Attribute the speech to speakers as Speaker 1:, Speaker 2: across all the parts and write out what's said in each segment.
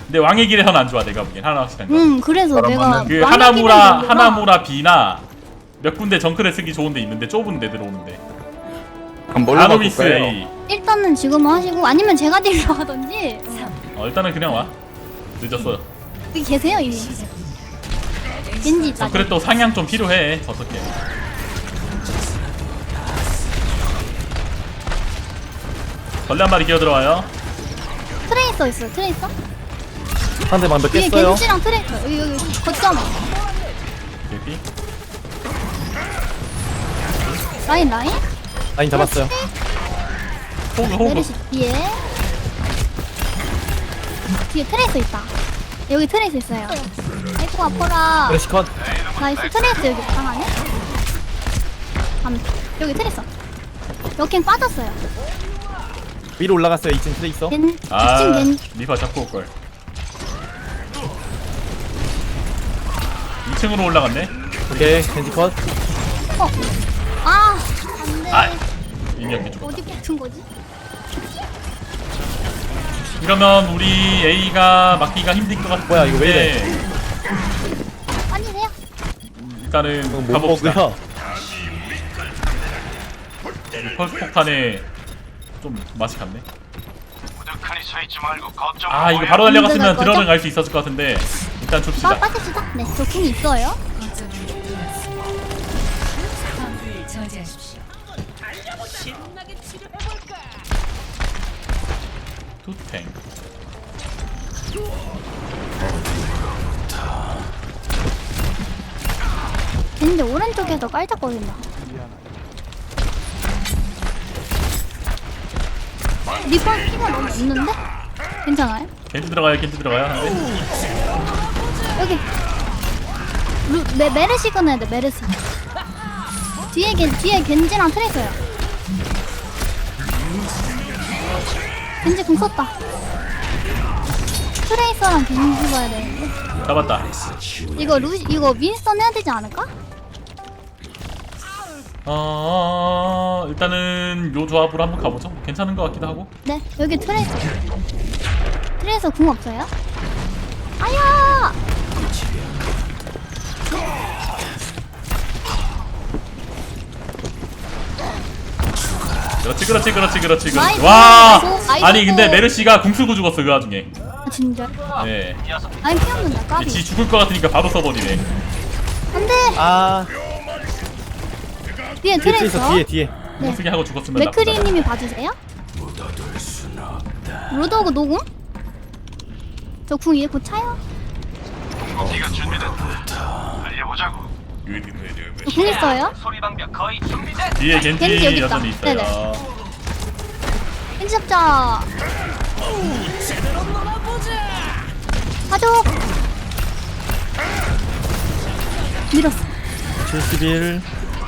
Speaker 1: 근데 왕의 길에선 안 좋아 내가 보기엔 하나 확실한 거.
Speaker 2: 그래서 내가
Speaker 1: 그
Speaker 2: 왕의 길은 정도나-
Speaker 1: 하나무라 B나 몇 군데 정크를 쓰기 좋은데 있는데 좁은 데 들어오는데.
Speaker 3: 그럼 뭘로
Speaker 1: 아노비스
Speaker 3: 바꿀까요?
Speaker 1: A.
Speaker 2: 일단은 지금 하시고 아니면 제가 딜러 하던지.
Speaker 1: 일단은 그냥 와. 늦었어.
Speaker 2: 여기 계세요 이미. 겐지 있다.
Speaker 1: 그래 또 상향 좀 필요해. 어떻게? 벌레 한 마리 기어 들어와요.
Speaker 2: 트레이서 있어요. 트레이서?
Speaker 3: 상대 방벽
Speaker 2: 위에
Speaker 3: 깼어요.
Speaker 2: 겐지랑 트레이서. 여기 거점.
Speaker 1: 개피.
Speaker 2: 라인 라인?
Speaker 3: 라인 잡았어요.
Speaker 1: 호그.
Speaker 2: 메르시 뒤에. 뒤에 트레이서 있다. 여기 트레이서 있어요. 아이고 아파라.
Speaker 3: 메르시 컷.
Speaker 2: 나이스. 트레이서 여기 방 안에? 여기 트레이서. 여긴 빠졌어요.
Speaker 3: 위로 올라갔어요. 2층 트레이서.
Speaker 2: 겐
Speaker 1: 아,
Speaker 2: 2층 겐
Speaker 1: 리파 잡고 올 걸. 2층으로 올라갔네.
Speaker 3: 오케이. 겐지 컷.
Speaker 2: 안돼.
Speaker 1: 아, 이미 여기 죽었다.
Speaker 2: 어디 붙은 거지?
Speaker 1: 이러면 우리 A가 막기가 힘들 것 같은데.
Speaker 3: 뭐야, 이거 왜 이래?
Speaker 2: 아니세요?
Speaker 1: 일단은
Speaker 3: 못
Speaker 1: 가봅시다.
Speaker 3: 먹고요.
Speaker 1: 펄스 폭탄에 좀 맛이 갔네.
Speaker 4: 무덕하니 서 있지 말고 거점.
Speaker 1: 아 이거 바로 달려갔으면
Speaker 2: 갈 거죠?
Speaker 1: 들어는 갈 수 있었을 것 같은데 일단 줍시다.
Speaker 2: 빠집시다. 네, 도킹이 있어요.
Speaker 1: 투탱.
Speaker 2: 겐지 오른쪽에서 깔짝거린다. 리퍼 피가 너무 없는데? 괜찮아요?
Speaker 1: 겐지 들어가요. 겐지 들어가요. 한대.
Speaker 2: 여기 메르시 꺼내야 돼. 메르시 뒤에 겐지랑 트레이서요. 겐지 공 썼다. 트레이서랑 겐지 봐야 되는데
Speaker 1: 잡았다.
Speaker 2: 이거 윈스턴 해야 되지 않을까?
Speaker 1: 일단은 요 조합으로 한번 가보죠. 괜찮은 것 같기도 하고.
Speaker 2: 네, 여기 트레이서 궁 없어요? 아야!
Speaker 1: 그렇지.
Speaker 2: 나이스.
Speaker 1: 와,
Speaker 2: 나이스.
Speaker 1: 아니 근데 메르시가 궁 쓰고 죽었어 그 와중에.
Speaker 2: 아, 진짜?
Speaker 1: 네.
Speaker 2: 아니 피 없는다. 까비.
Speaker 1: 지 죽을 것 같으니까 바로 써버리네.
Speaker 2: 안돼.
Speaker 3: 아,
Speaker 2: 뒤에
Speaker 3: 뒤에 트레이서
Speaker 2: 트레이서.
Speaker 3: 뒤에.
Speaker 2: 네.
Speaker 1: 쓰게 하고 죽었으면 나쁘다.
Speaker 2: 맥크리님이 봐주세요. 로드하고 노궁? 저 궁 이제 곧 차요.
Speaker 4: 네가 준비됐다. 달려보자고.
Speaker 2: 저 궁 있어요?
Speaker 4: 소리 방벽 거의 준비됐.
Speaker 1: 뒤에
Speaker 2: 겐지 여기
Speaker 1: 겐지
Speaker 2: 있다.
Speaker 1: 여전히 있어요.
Speaker 2: 네네. 겐지 잡자. 가죠. 밀었어.
Speaker 3: 71.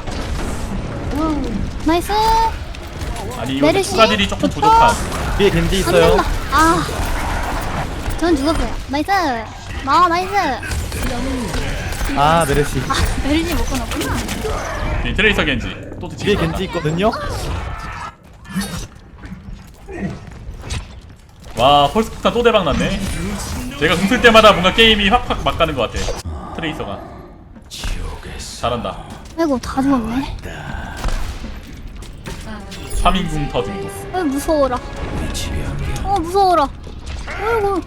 Speaker 2: 나이스.
Speaker 1: 아니 이거
Speaker 2: 메르시?
Speaker 1: 추가딜이 조금
Speaker 2: 좋다.
Speaker 1: 부족한.
Speaker 3: 뒤에 겐지
Speaker 2: 안
Speaker 3: 있어요.
Speaker 2: 된다. 아. 전 죽었어요. 나이스. 나이스.
Speaker 3: 아, 메르시.
Speaker 2: 메르시 못 끊었구나.
Speaker 1: 뒤에 트레이서 겐지. 또
Speaker 3: 뒤에 겐지 있거든요.
Speaker 1: 와 펄스 폭탄 또 대박 났네. 제가 궁 쓸 때마다 뭔가 게임이 확확 막 가는 것 같아. 트레이서가 잘한다.
Speaker 2: 아이고 다 죽었네.
Speaker 1: 3인궁 터짐도.
Speaker 2: 무서워라. 무서워라. 아이고.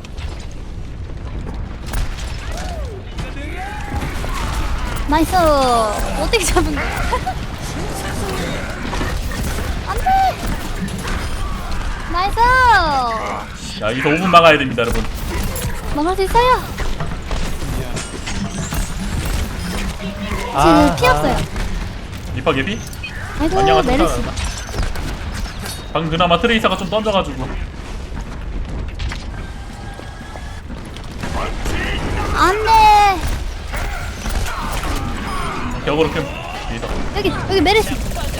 Speaker 2: 나이스. 어떻게 잡은 거야? 안돼. 나이스.
Speaker 1: 야 여기서 5분 막아야 됩니다 여러분.
Speaker 2: 막을 수 있어요.
Speaker 3: 아,
Speaker 2: 지금 피 없어요.
Speaker 1: 리파 개피?
Speaker 2: 아이고
Speaker 1: 안녕하세요.
Speaker 2: 메르시.
Speaker 1: 방금 그나마 트레이서가 좀 던져가지고.
Speaker 2: 안돼.
Speaker 1: 격으로 캠. 뒤에서.
Speaker 2: 여기 메르시.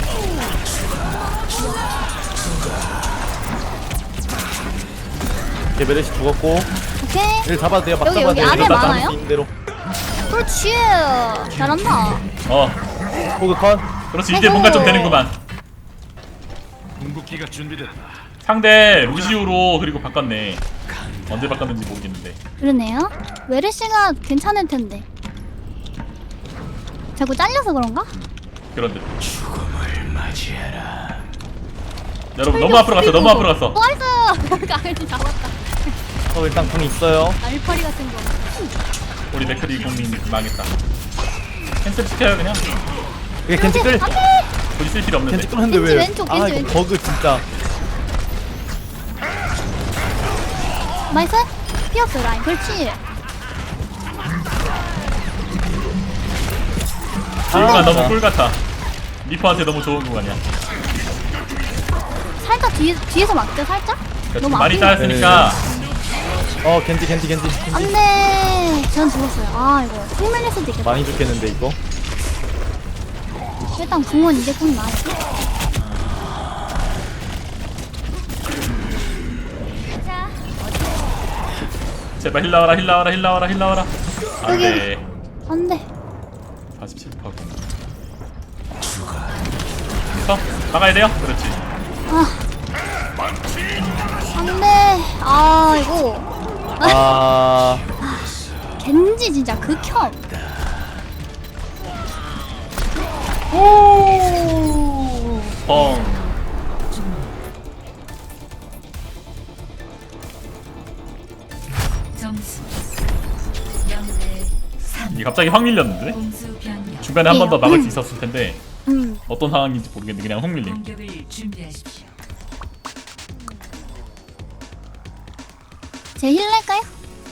Speaker 3: 오케이, 메르시 죽었고.
Speaker 2: 오케이.
Speaker 3: 얘를 잡아도 돼요. 막
Speaker 2: 여기,
Speaker 3: 잡아도
Speaker 2: 여기
Speaker 3: 돼요.
Speaker 2: 안에
Speaker 3: 이러다
Speaker 2: 많아요?
Speaker 3: 할수 있는 대로.
Speaker 2: 그렇지. 잘한다.
Speaker 3: 호그 컷.
Speaker 1: 그렇지 이제 뭔가 좀 되는구만.
Speaker 4: 궁극기가 준비됐다.
Speaker 1: 상대 루시우로 그리고 바꿨네. 언제 바꿨는지 모르겠는데.
Speaker 2: 그러네요. 웨르시가 괜찮을 텐데. 자꾸 잘려서 그런가?
Speaker 1: 그런데. 여러분 너무 앞으로 갔어. 너무 앞으로 갔어.
Speaker 2: 나이스! 가을이 잡았다.
Speaker 3: 일단 궁 있어요.
Speaker 2: 알파리 같은 거.
Speaker 1: 우리 맥크리 국민 망했다. 캔슬 시켜요 그냥.
Speaker 3: 이게 겐지 끌.
Speaker 2: 안 돼!
Speaker 1: 굳이 쓸 필요 없는데.
Speaker 3: 겐지 끌었는데
Speaker 2: 겐지
Speaker 3: 왜?
Speaker 2: 왼쪽,
Speaker 3: 아
Speaker 2: 겐지
Speaker 3: 이거
Speaker 2: 왼쪽.
Speaker 3: 버그 진짜.
Speaker 2: 나이스? 피었어 라인. 그렇지.
Speaker 1: 뭔가 너무 꿀 같아. 리퍼한테 너무 좋은 구간이야.
Speaker 2: 살짝 뒤에서 막자 살짝?
Speaker 1: 그러니까 좀
Speaker 2: 너무
Speaker 1: 많이
Speaker 2: 앞에
Speaker 1: 쌓였으니까
Speaker 3: 겐지.
Speaker 2: 안돼. 전 죽었어요. 아 이거 훅 밀릴 수도 있겠다.
Speaker 3: 많이 죽겠는데 이거.
Speaker 2: 일단 궁은 이제 꼭 나왔어.
Speaker 1: 제발 힐 나와라 힐 나와라 힐 나와라 힐 나와라. 안돼.
Speaker 2: 안돼.
Speaker 1: 47%고. 막아야 돼요? 그렇지.
Speaker 2: 안돼. 아 이거
Speaker 3: 아
Speaker 2: 겐지 진짜 극혐.
Speaker 1: 뻥.
Speaker 5: 점수 0대 3
Speaker 1: 이게 갑자기 확 밀렸는데?
Speaker 5: 공수 변경
Speaker 1: 중간에 한 번 더 막을 수 있었을 텐데 어떤 상황인지 모르겠는데 그냥 확 밀림.
Speaker 5: 공격을 준비하십시오.
Speaker 2: 제 힐낼까요?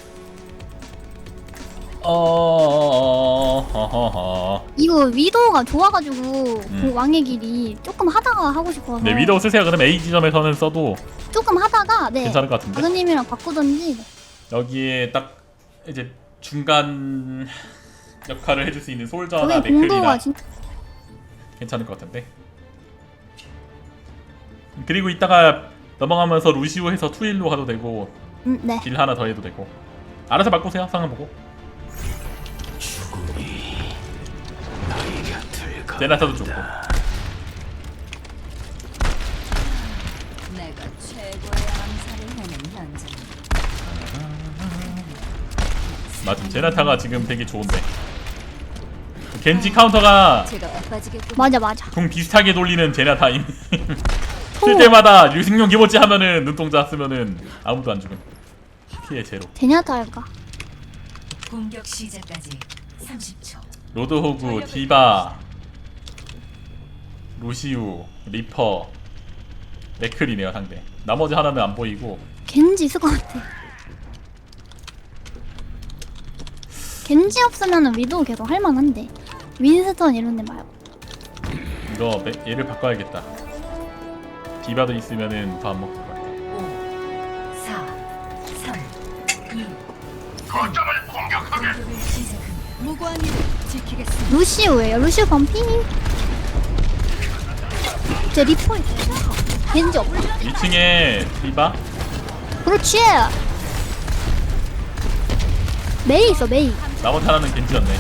Speaker 2: 이거 위도가 좋아가지고 그 왕의 길이 조금 하다가 하고 싶어서.
Speaker 1: 네 위도우 쓰세요. 그럼 A 지점에서는 써도
Speaker 2: 조금 하다가 네.
Speaker 1: 괜찮을 것 같은데?
Speaker 2: 아그님이랑 바꾸던지.
Speaker 1: 여기에 딱 이제 중간 역할을 해줄 수 있는 솔저나
Speaker 2: 저게 공도가
Speaker 1: 맥클이나
Speaker 2: 진짜.
Speaker 1: 괜찮을 것 같은데. 그리고 이따가 넘어가면서 루시우 해서 투일로 가도 되고
Speaker 2: 네.
Speaker 1: 딜 하나 더 해도 되고 알아서 바꾸세요. 상황 보고. 제나타도 좋고.
Speaker 5: 내가 최고의 암살을 해낸 현장.
Speaker 1: 맞음. 제나타가 지금 되게 좋은데. 겐지 카운터가
Speaker 5: 제가 바빠지겠군.
Speaker 2: 맞아.
Speaker 1: 공 비슷하게 돌리는 제나타임. 쓸 때마다 유승용 기모찌 하면은 눈동자 쓰면은 아무도 안 죽음. 피해 제로.
Speaker 2: 제냐타 할까?
Speaker 5: 공격 시작까지 30초.
Speaker 1: 로드호구, 디바, 루시우, 리퍼, 맥클이네요 상대. 나머지 하나는 안 보이고.
Speaker 2: 겐지 있을 것 같아. 겐지 없으면은 위도우 계속 할만한데 윈스턴 이런 데 말고.
Speaker 1: 이거 얘를 바꿔야겠다. 디바도 있으면은 더 안 먹을 것 같아.
Speaker 5: 5 4 3 2
Speaker 4: 거점을 공격하게.
Speaker 5: 공격을 시작합니다. 무고한 일을 지키겠습니다.
Speaker 2: 루시우예요. 루시우 범피. 제 리포 있어요. 겐지 없다.
Speaker 1: 2층에 디바.
Speaker 2: 그렇지. 메이 있어 메이.
Speaker 1: 나머지 하나는 겐지였네.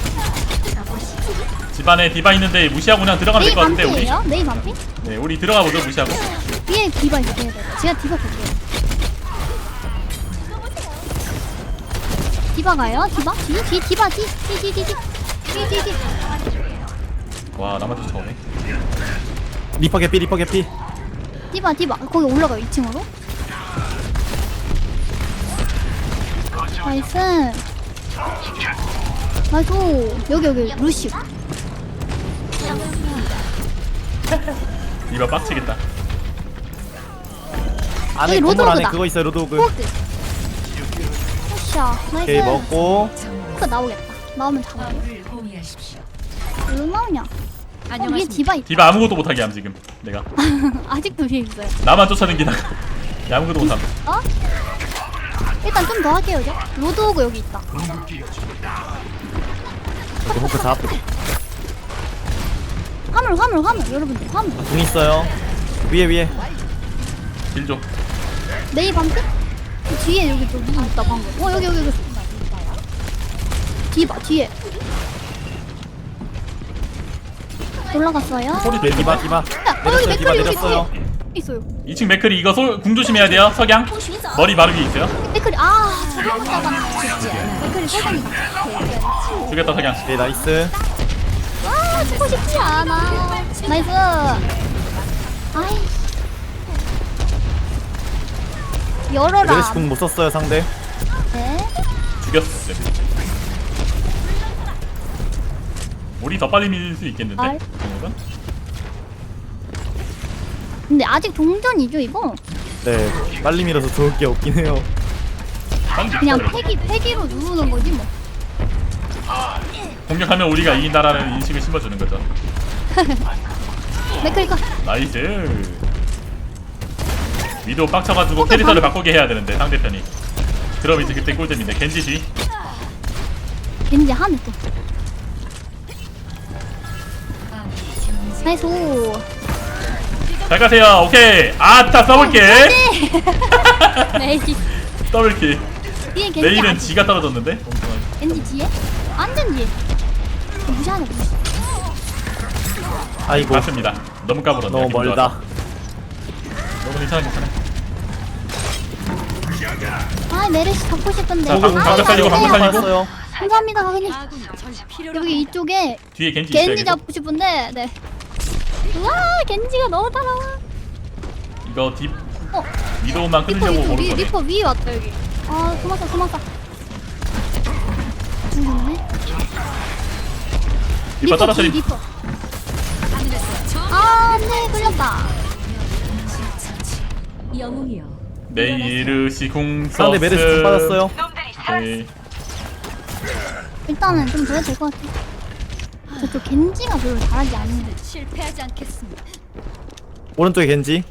Speaker 1: 집안에 디바 있는데 무시하고 그냥 들어가면
Speaker 2: 메이
Speaker 1: 될 것 같은데 우리.
Speaker 2: 반피예요? 메이 반피?
Speaker 1: 네 우리 들어가 보죠 무시하고.
Speaker 2: 위에 디바 있어요. 제가 디바 볼게요. 디바 가요? 디바? 뒤 디바 뒤.
Speaker 1: 와 나만 쫓아오네.
Speaker 3: 리퍼 개피.
Speaker 2: 디바 거기 올라가요 2층으로. 나이스. 여기 루시우.
Speaker 1: 디바 빡치겠다.
Speaker 3: 안에
Speaker 2: 여기
Speaker 3: 건물 안에
Speaker 2: 로드호그다.
Speaker 3: 그거 있어요 로드호그.
Speaker 2: 포드. 샤
Speaker 3: 오케이
Speaker 2: 나이스.
Speaker 3: 먹고.
Speaker 2: 그 나오겠다. 나오면 잡아.
Speaker 5: 를 호위하십시오.
Speaker 2: 왜 나오냐? 위에 디바 있다.
Speaker 1: 디바 아무것도 못하게 함 지금 내가.
Speaker 2: 아직도 위에 있어요.
Speaker 1: 나만 쫓아다니다가 야, 아무것도 못함.
Speaker 2: 어? 일단 좀 더 할게요, 이제. 로드호그 여기 있다.
Speaker 3: 로드호그 잡.
Speaker 2: 화물, 여러분들, 화물.
Speaker 3: 궁 있어요. 위에.
Speaker 1: 딜 좀.
Speaker 2: 메이 반피? 그 뒤에 여기 또 누구 있다, 방금. 여기. 디바, 뒤에. 올라갔어요.
Speaker 3: 네 디바.
Speaker 2: 야, 여기
Speaker 3: 내렸어요. 디바
Speaker 2: 맥클리 여기
Speaker 3: 내렸어요.
Speaker 2: 뒤에. 있어요.
Speaker 1: 2층 맥크리 이거 궁 조심해야 돼요. 석양 머리 바로 위에 있어요.
Speaker 2: 댓글이 저거 잡았네. 댓글이 세상이다.
Speaker 1: 죽였다 석양.
Speaker 3: 오케이 나이스.
Speaker 2: 죽고 싶지 않아. 나이스. 아이. 열어라.
Speaker 3: 메르시 궁 못 썼어요 상대.
Speaker 2: 네.
Speaker 1: 죽였어. 우리 더 빨리 밀릴 수 있겠는데?
Speaker 2: 알?
Speaker 1: 이거는?
Speaker 2: 근데 아직 동전이죠 이거?
Speaker 3: 네 빨리 밀어서 좋을 게 없긴 해요.
Speaker 1: 빨리
Speaker 2: 그냥
Speaker 1: 밀자,
Speaker 2: 패기로 누르는 거지 뭐.
Speaker 1: 공격하면 우리가 이긴다라는 인식을 심어주는 거죠.
Speaker 2: 맥클리커.
Speaker 1: 나이스. 위도 빡쳐가지고 캐릭터를 바꾸게 해야 되는데 상대편이. 그럼 이제 그때 꿀잼인데 겐지 뒤.
Speaker 2: 왠지 하네 또. 나이스.
Speaker 1: 잘 가세요. 오케이. 아따 더블킬.
Speaker 2: 메이.
Speaker 1: 더블킬.
Speaker 2: 뒤에 겐지.
Speaker 1: 내일은 지가 떨어졌는데.
Speaker 2: 겐지 뒤에? 완전 뒤에. 무시하네 무시.
Speaker 3: 아이고
Speaker 1: 맞습니다. 너무 까불었네.
Speaker 3: 너무
Speaker 1: 기분
Speaker 3: 멀다.
Speaker 1: 좋아서. 너무 괜찮아.
Speaker 2: 아 메르시 잡고 싶은데.
Speaker 1: 자, 방금 살리고,
Speaker 2: 감사해요.
Speaker 1: 방금 살리고.
Speaker 3: 봤어요.
Speaker 2: 감사합니다 가그님.
Speaker 5: 아군이 절 필요로
Speaker 2: 여기 이쪽에
Speaker 1: 뒤에 겐지 있어요.
Speaker 2: 겐지
Speaker 1: 계속.
Speaker 2: 잡고 싶은데 네. 우와 겐지가 너무 따라와.
Speaker 1: 이거 딥
Speaker 2: 어
Speaker 1: 위도우만
Speaker 2: 리퍼
Speaker 1: 끊으려고
Speaker 2: 이쪽
Speaker 1: 오는
Speaker 2: 위
Speaker 1: 거네.
Speaker 2: 리퍼 위에 왔다 여기. 아 도망가. 죽었네.
Speaker 1: 리퍼 떨어뜨림.
Speaker 2: 리퍼. 아 안돼 걸렸다.
Speaker 5: 영웅이여.
Speaker 1: 메이르시 궁
Speaker 3: 상대 메르시 궁 받았어요.
Speaker 1: 오케이.
Speaker 2: 일단은 좀 더 해도 될 것 같아. 저쪽 겐지가 별로 잘하지 않는데.
Speaker 5: 실패하지 않겠습니다.
Speaker 3: 오른쪽에 겐지.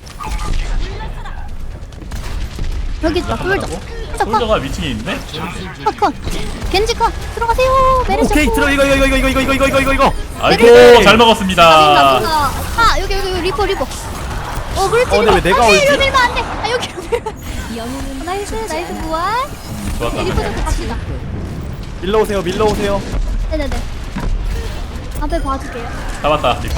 Speaker 2: 여기 있다 쫄져.
Speaker 1: 솔저가 위층에 있네?
Speaker 2: 컷. 겐지 컷. 들어가세요. 메르시.
Speaker 3: 오케이 들어 이거.
Speaker 1: 아이고
Speaker 2: 메르시.
Speaker 1: 잘 먹었습니다.
Speaker 2: 아 여기 리퍼. 그렇지.
Speaker 3: 근데 왜 내가
Speaker 2: 안 돼,
Speaker 3: 올지?
Speaker 2: 이리로 밀면 안 돼. 아 여기로 밀면.
Speaker 5: 영웅은
Speaker 2: 나이스 부활.
Speaker 1: 좋았다.
Speaker 2: 리퍼 좀 갑시다.
Speaker 3: 밀러 오세요.
Speaker 2: 네네네. 앞에 봐줄게요.
Speaker 1: 잡았다 리퍼.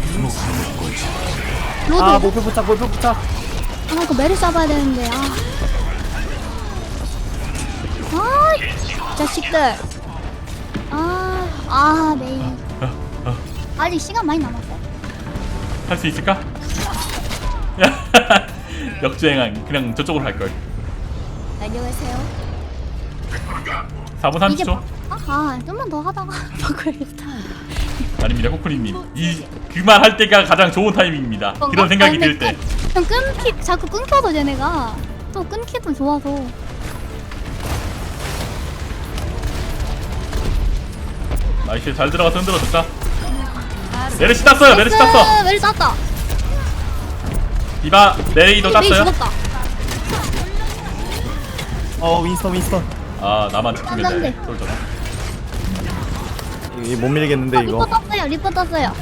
Speaker 2: 로드.
Speaker 3: 아 목표 포착.
Speaker 2: 이거 메르시 잡아야 되는데. 자식들. 메인. 아직 시간 많이 남았어.
Speaker 1: 할 수 있을까? 역주행한 그냥 저쪽으로 갈 걸.
Speaker 5: 안녕하세요.
Speaker 1: 4분
Speaker 2: 이제
Speaker 1: 30초.
Speaker 2: 좀만 더 하다가 바꿔야겠다.
Speaker 1: 아닙니다 코코리님. 그말 할 때가 가장 좋은 타이밍입니다. 그런 생각이 들 때.
Speaker 2: 좀 자꾸 끊겨서 쟤네가 또 끊기도 좋아서.
Speaker 1: 나이스 잘 들어가서 흔들어줬다. 메르시 땄어요. 메르시 땄어.
Speaker 2: 메르시 땄다.
Speaker 1: 디바 메이도
Speaker 2: 메이
Speaker 1: 땄어요.
Speaker 2: 죽었다.
Speaker 3: 윈스턴.
Speaker 1: 아 나만 집중된다.
Speaker 2: 안 돼.
Speaker 1: 솔저가.
Speaker 3: 이거 못 밀겠는데 이거.
Speaker 2: 리퍼 땄어요.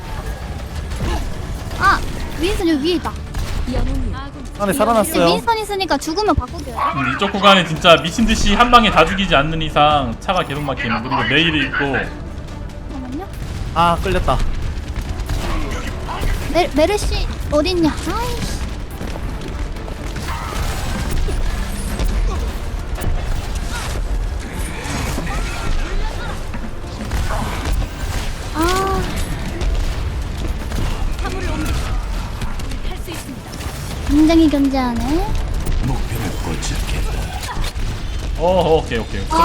Speaker 2: 윈스턴 여기 위에 있다.
Speaker 5: 영웅이여.
Speaker 3: 안에 살아났어요.
Speaker 2: 윈스턴 있으니까 죽으면 바꾸게요.
Speaker 1: 이쪽 구간에 진짜 미친듯이 한 방에 다 죽이지 않는 이상 차가 계속 막히는. 그리고 메이를 있고.
Speaker 2: 잠깐만요.
Speaker 3: 아 끌렸다.
Speaker 2: 메르시 어딨냐? 아이씨. 굉장히 견제하네.
Speaker 1: 오케이.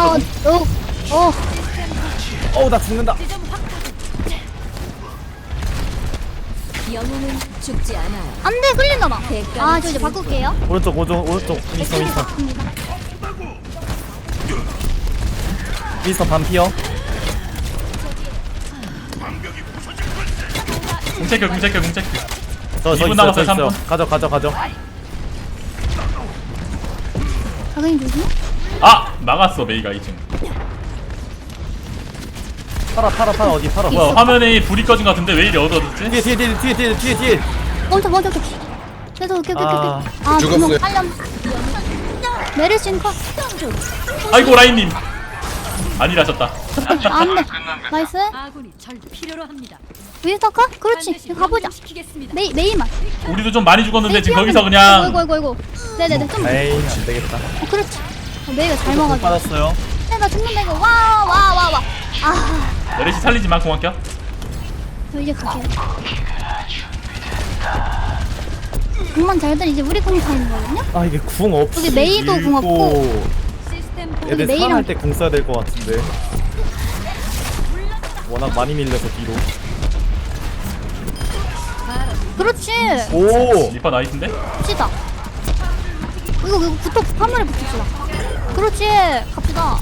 Speaker 3: 나 죽는다.
Speaker 5: 영웅은 죽지 않아요.
Speaker 2: 안돼 끌린다봐. 저 이제 바꿀게요.
Speaker 3: 오른쪽 윈스턴. 윈스턴 반피어.
Speaker 1: 궁체크.
Speaker 3: 저
Speaker 1: 2분
Speaker 3: 있어요.
Speaker 1: 남았어요,
Speaker 3: 저 있어요.
Speaker 1: 3분.
Speaker 3: 가져.
Speaker 2: 가그님 조심.
Speaker 1: 막았어 메이가 2층.
Speaker 3: 팔아 어디 팔아.
Speaker 1: 뭐야 화면에 불이 꺼진 것 같은데 왜 이리 어두워졌지?
Speaker 3: 뒤에.
Speaker 2: 먼저. 그래도 오케이.
Speaker 6: 죽었어요.
Speaker 2: 빨렴. 메르신 컷.
Speaker 1: 아이고 라인님. 아니라셨다.
Speaker 2: 안돼. 나이스.
Speaker 5: 아군이 절 필요로 합니다.
Speaker 2: 윈스턴 컷? 그렇지.
Speaker 5: 반드시
Speaker 2: 가보자.
Speaker 5: 시키겠습니다.
Speaker 2: 메이만.
Speaker 1: 우리도 좀 많이 죽었는데 지금
Speaker 2: 메이
Speaker 1: 거기서
Speaker 2: 피하면-
Speaker 1: 그냥
Speaker 2: 아이고. 네네네. 좀.
Speaker 3: 에이 안 되겠다.
Speaker 2: 그렇지. 메이가 잘
Speaker 3: 공
Speaker 2: 먹어줘.
Speaker 3: 받았어요.
Speaker 2: 나 죽는다 이거. 와. 아,
Speaker 1: 메르시 살리지 마 공학교.
Speaker 2: 저 이제 갈게요. 공만 잘 들 이제 우리 공 타는 거거든요.
Speaker 3: 아 이게 궁 없이
Speaker 2: 여기 메이도 궁 없고.
Speaker 5: 시스템
Speaker 3: 애들
Speaker 2: 메이랑-
Speaker 3: 살아날 때 궁 써야 될 것 같은데. 워낙 많이 밀려서 뒤로.
Speaker 2: 그렇지.
Speaker 3: 오.
Speaker 1: 리퍼 나이스인데?
Speaker 2: 갑시다. 이거 붙어 화물에 붙읍시다. 그렇지. 갑시다.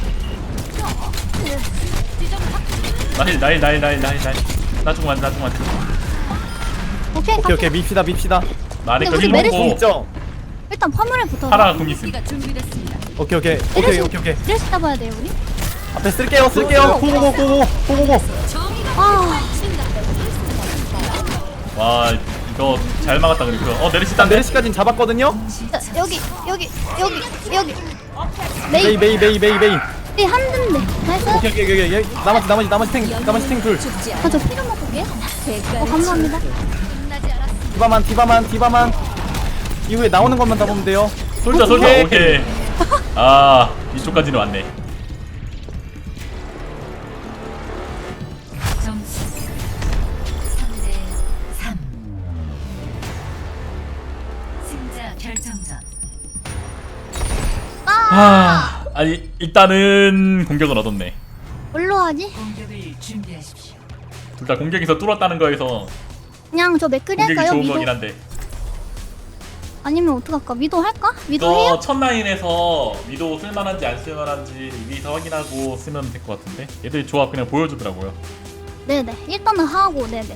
Speaker 1: 나힐. 나 조금 만.
Speaker 2: 오케이.
Speaker 3: 오케이 밉시다.
Speaker 1: 나 안에
Speaker 2: 근데
Speaker 1: 거
Speaker 2: 우리
Speaker 1: 힐
Speaker 2: 메르시
Speaker 3: 궁
Speaker 1: 먹고
Speaker 3: 있죠?
Speaker 2: 일단 화물에 붙어.
Speaker 1: 파라 공 있음.
Speaker 5: 가 준비됐습니다.
Speaker 3: 오케이.
Speaker 2: 이래서 잡아야 돼요 우리.
Speaker 3: 앞에 쓸게요. 고고고.
Speaker 2: 아,
Speaker 1: 와 이거 잘 막았다 그리고. 메르시
Speaker 3: 일단
Speaker 1: 딴데?
Speaker 3: 메르시까지는 잡았거든요.
Speaker 2: 자, 여기. 메이
Speaker 3: 메이.
Speaker 2: 한 대인데. 나이스.
Speaker 3: 오케이. 나머지 탱 둘.
Speaker 5: 죽지 않아.
Speaker 2: 저 피로 먹을게요.
Speaker 5: 대가를
Speaker 2: 감사합니다.
Speaker 5: 끝나지 않았습니다.
Speaker 3: 디바만. 이후에 나오는 것만 잡으면 돼요.
Speaker 1: 솔져. 오케이. 아 이쪽까지는 왔네.
Speaker 5: 점수 3대 3. 승자 결정전.
Speaker 1: 아니 일단은 공격은 얻었네.
Speaker 2: 뭘로 하지?
Speaker 5: 공격을 준비하십시오.
Speaker 1: 둘 다 공격에서 뚫었다는 거에서
Speaker 2: 그냥 저 맥크리
Speaker 1: 공격이
Speaker 2: 할까요?
Speaker 1: 좋은
Speaker 2: 미도?
Speaker 1: 거긴 한데.
Speaker 2: 아니면 어떡할까? 미도 할까? 미도
Speaker 1: 이거
Speaker 2: 해요?
Speaker 1: 첫 라인에서 위도 쓸만한지 안 쓸만한지 위에서 확인하고 쓰면 될 것 같은데. 얘들 조합 그냥 보여주더라고요.
Speaker 2: 네네. 일단은 하고 네네.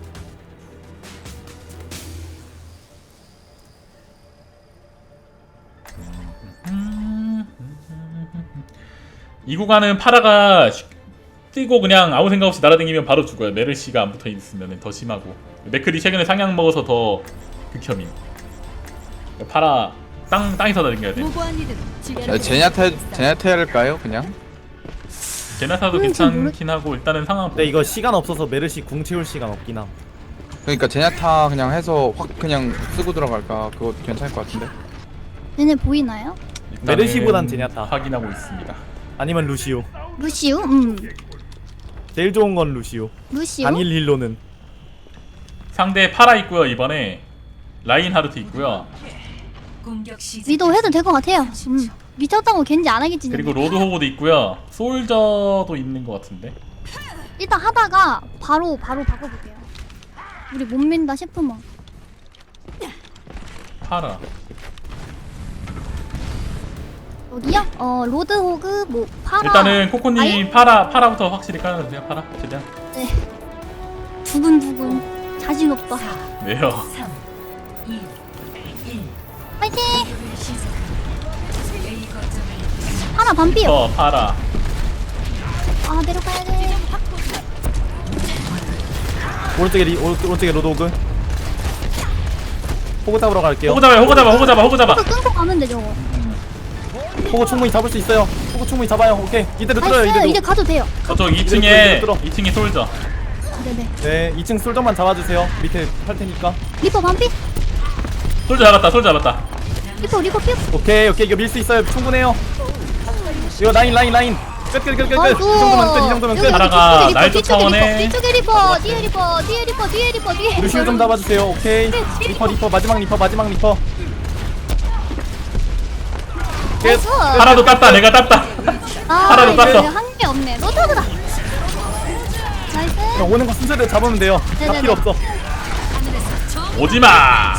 Speaker 1: 이 구간은 파라가 뛰고 그냥 아무 생각 없이 날아다니면 바로 죽어요. 메르시가 안 붙어 있으면 더 심하고. 맥클이 최근에 상향 먹어서 더 극혐인. 파라 땅에서 다녀야 돼.
Speaker 5: 무고한 이들은 지배를
Speaker 6: 제냐타일까요 그냥?
Speaker 1: 제나타도
Speaker 2: 잘
Speaker 1: 괜찮긴 하고 일단은 상황
Speaker 3: 근데 이거 시간 없어서 메르시 궁 채울 시간 없긴 함.
Speaker 6: 그러니까 제냐타 그냥 해서 확 그냥 쓰고 들어갈까 그거 괜찮을 것 같은데.
Speaker 2: 얘네 보이나요?
Speaker 1: 일단은
Speaker 3: 메르시보단 제냐타.
Speaker 1: 확인하고 있습니다.
Speaker 3: 아니면 루시오.
Speaker 2: 루시우?
Speaker 3: 제일 좋은 건 루시오.
Speaker 2: 루시우?
Speaker 3: 단일 힐로는.
Speaker 1: 상대 파라 있고요. 이번에 라인 하르트 있고요.
Speaker 5: 공격 시작.
Speaker 2: 미도 해도 될 것 같아요. 미쳤다고 겐지 안 하겠지.
Speaker 1: 그리고 로드 호구도 있고요. 솔저도 있는 것 같은데.
Speaker 2: 일단 하다가 바로 바꿔볼게요. 우리 못 민다 싶으면.
Speaker 1: 파라.
Speaker 2: 여기요? 로드 호그 뭐 파라.
Speaker 1: 일단은 코코님
Speaker 2: 아예?
Speaker 1: 파라부터 확실히 깔아주세요. 파라 최대한.
Speaker 2: 네. 두근두근 자신 없다.
Speaker 1: 왜요?
Speaker 5: 3, 2, 1.
Speaker 2: 파이팅!
Speaker 5: 시작합니다. A 거점을
Speaker 2: 하나 반피요.
Speaker 1: 파라.
Speaker 2: 아 내려가야 돼.
Speaker 3: 오른쪽에 로드오그. 호구 잡으러 갈게요.
Speaker 1: 호구 잡아.
Speaker 2: 그 끊고 가면 되죠.
Speaker 3: 호구 충분히 잡을 수 있어요. 호구 충분히 잡아요. 오케이. 이대로 뚫어요.
Speaker 2: 나이스. 이제
Speaker 3: 이대로.
Speaker 2: 가도 돼요.
Speaker 1: 저쪽
Speaker 3: 이대로
Speaker 1: 2층이 솔저.
Speaker 2: 네네.
Speaker 3: 네, 2층 솔저만 잡아주세요. 밑에 할 테니까.
Speaker 2: 리퍼 반피?
Speaker 1: 솔저 잡았다.
Speaker 2: 리퍼 피?
Speaker 3: 오케이. 이거 밀 수 있어요. 충분해요. 이거 라인. 끝. 이 정도면 끝.
Speaker 1: 하나가 나이트 차원에
Speaker 2: 뒤쪽에 리퍼, 뒤에 리퍼.
Speaker 3: 루시오 좀 잡아주세요. 오케이. 리퍼 마지막 리퍼. 끝.
Speaker 2: 나이스.
Speaker 1: 하나도 땄다. 내가 땄다. 하나도 땄어.
Speaker 2: 한게 없네. 노타드다. 나이스.
Speaker 3: 그냥 오는 거 순서대로 잡으면 돼요. 다
Speaker 2: 네네네.
Speaker 3: 필요 없어.
Speaker 1: 오지마.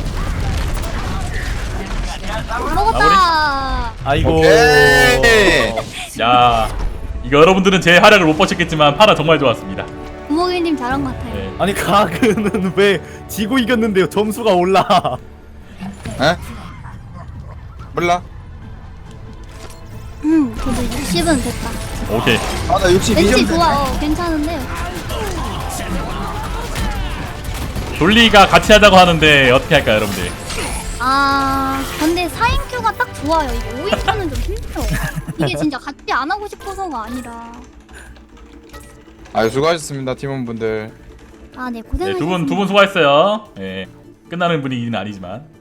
Speaker 2: 먹었다.
Speaker 3: 아이고.
Speaker 6: 오케이.
Speaker 1: 야 이거 여러분들은 제 활약을 못 보셨겠지만 파라 정말 좋았습니다.
Speaker 2: 부모님 잘한 것 같아요.
Speaker 1: 네.
Speaker 3: 아니 가그는 왜 지고 이겼는데요? 점수가 올라.
Speaker 6: 에? 몰라.
Speaker 2: 그래도 60은 됐다.
Speaker 1: 오케이.
Speaker 6: 아나 62점.
Speaker 2: 왠지 좋아. 괜찮은데요.
Speaker 1: 돌리가 같이 하자고 하는데 어떻게 할까요, 여러분들?
Speaker 2: 근데 4인큐가 딱 좋아요. 이게 5인큐는 좀 힘들어. 이게 진짜 같이 안 하고 싶어서가 아니라.
Speaker 6: 아유 수고하셨습니다 팀원분들.
Speaker 2: 아, 네,
Speaker 1: 네,
Speaker 2: 고생하셨습니다.
Speaker 1: 두 분 수고했어요. 예. 끝나는 분위기는 아니지만.